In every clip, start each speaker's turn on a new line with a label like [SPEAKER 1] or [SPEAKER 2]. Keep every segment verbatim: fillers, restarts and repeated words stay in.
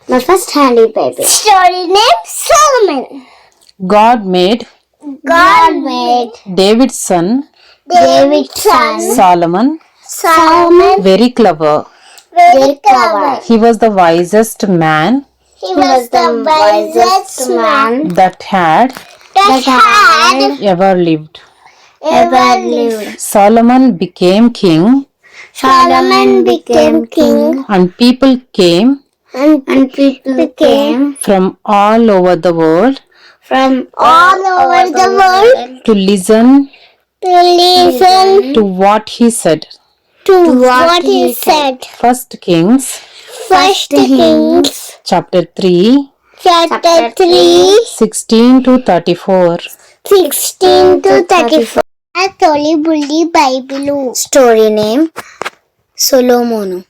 [SPEAKER 1] My first handy baby. Story name Solomon.
[SPEAKER 2] God made
[SPEAKER 1] God made
[SPEAKER 2] David's son
[SPEAKER 1] David's son
[SPEAKER 2] Solomon
[SPEAKER 1] Solomon
[SPEAKER 2] very clever.
[SPEAKER 1] very clever.
[SPEAKER 2] He was the wisest man
[SPEAKER 1] He was the wisest man
[SPEAKER 2] that had
[SPEAKER 1] that had
[SPEAKER 2] ever lived.
[SPEAKER 1] ever lived.
[SPEAKER 2] Solomon became king,
[SPEAKER 1] Solomon became king,
[SPEAKER 2] and people came
[SPEAKER 1] and, and people came
[SPEAKER 2] from all over the world
[SPEAKER 1] from all over the world
[SPEAKER 2] to listen
[SPEAKER 1] to listen
[SPEAKER 2] to what he said.
[SPEAKER 1] to what he said.
[SPEAKER 2] First Kings
[SPEAKER 1] First Kings
[SPEAKER 2] chapter three,
[SPEAKER 1] chapter three,
[SPEAKER 2] sixteen to thirty-four.
[SPEAKER 1] sixteen to thirty-four. A Tolly Bully Bible. Story name Solomon.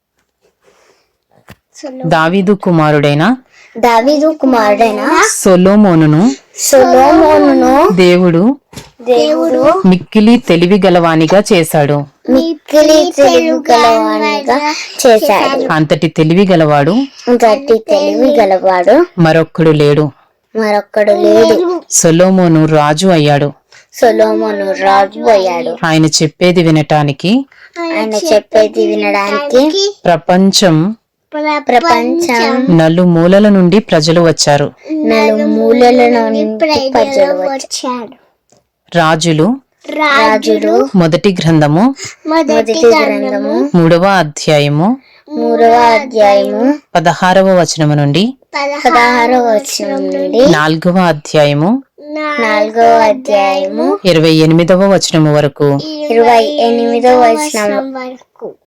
[SPEAKER 2] దావీదు కుమారుడైన
[SPEAKER 1] దావీదు కుమారుడైన
[SPEAKER 2] సొలొమోనును
[SPEAKER 1] సొలొమోనును
[SPEAKER 2] దేవుడు
[SPEAKER 1] దేవుడు
[SPEAKER 2] మిక్కిలి తెలివి గలవానిగా చేశాడు.
[SPEAKER 1] మిక్కిలి తెలివి గలవానిగా చేశాడు.
[SPEAKER 2] అంతటి తెలివి గలవాడు
[SPEAKER 1] గట్టి తెలివి గలవాడు
[SPEAKER 2] మరొక్కడు లేడు.
[SPEAKER 1] మరొక్కడు లేడు.
[SPEAKER 2] సొలొమోను రాజు అయ్యాడు.
[SPEAKER 1] సొలొమోను రాజు అయ్యాడు.
[SPEAKER 2] ఆయన చెప్పేది వినటానికి
[SPEAKER 1] ఆయన చెప్పేది వినడానికి
[SPEAKER 2] ప్రపంచం
[SPEAKER 1] ప్రపంచం
[SPEAKER 2] నలుమూలల నుండి ప్రజలు వచ్చారు.
[SPEAKER 1] నలుమూలల నుండి ప్రజలు వచ్చారు.
[SPEAKER 2] రాజులు
[SPEAKER 1] రాజులు
[SPEAKER 2] మొదటి గ్రంథము
[SPEAKER 1] మొదటి గ్రంథము
[SPEAKER 2] మూడవ అధ్యాయము
[SPEAKER 1] మూడవ అధ్యాయము
[SPEAKER 2] పదహారవ వచనము నుండి
[SPEAKER 1] పదహారవ వచనం నుండి
[SPEAKER 2] నాలుగవ అధ్యాయము
[SPEAKER 1] నాలుగవ అధ్యాయము
[SPEAKER 2] ఇరవై ఎనిమిదవ వచనము వరకు
[SPEAKER 1] ఇరవై ఎనిమిదవ వచనం వరకు